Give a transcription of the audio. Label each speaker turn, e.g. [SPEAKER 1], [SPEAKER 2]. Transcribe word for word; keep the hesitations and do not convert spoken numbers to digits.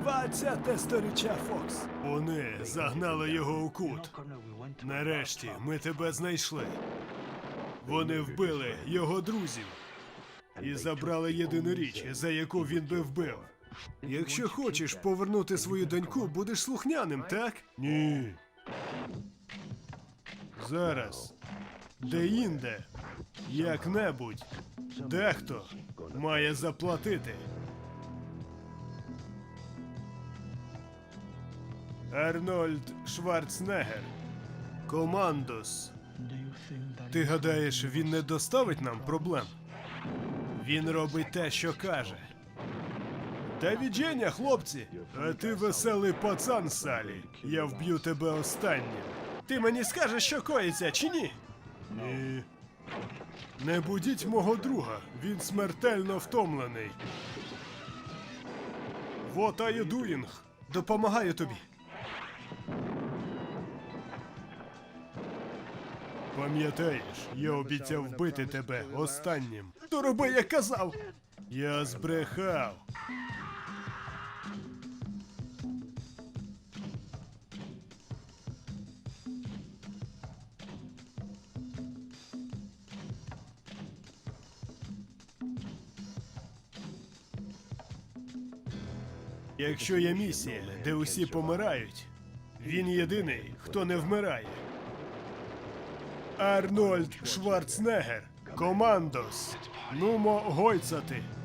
[SPEAKER 1] Двадцяте сторіччя, Фокс. Вони загнали його у кут. Нарешті ми тебе знайшли. Вони вбили його друзів і забрали єдину річ, за яку він би вбив. Якщо хочеш повернути свою доньку, будеш слухняним, так? Ні. Зараз. Де-інде. Як-небудь. Дехто має заплатити. Арнольд Шварценеггер. Командос. Ти гадаєш, він не доставить нам проблем? Він робить те, що каже. Та відження, хлопці! А ти веселий пацан, Салі. Я вб'ю тебе останнім. Ти мені скажеш, що коїться, чи ні? Ні. Не будіть мого друга, він смертельно втомлений. What are you doing? Допомагаю тобі. Пам'ятаєш, я обіцяв вбити тебе останнім. То роби, як казав. Я збрехав. Якщо є місія, де усі помирають, він єдиний, хто не вмирає. Арнольд Шварценеггер. Командос. Нумо гойцати.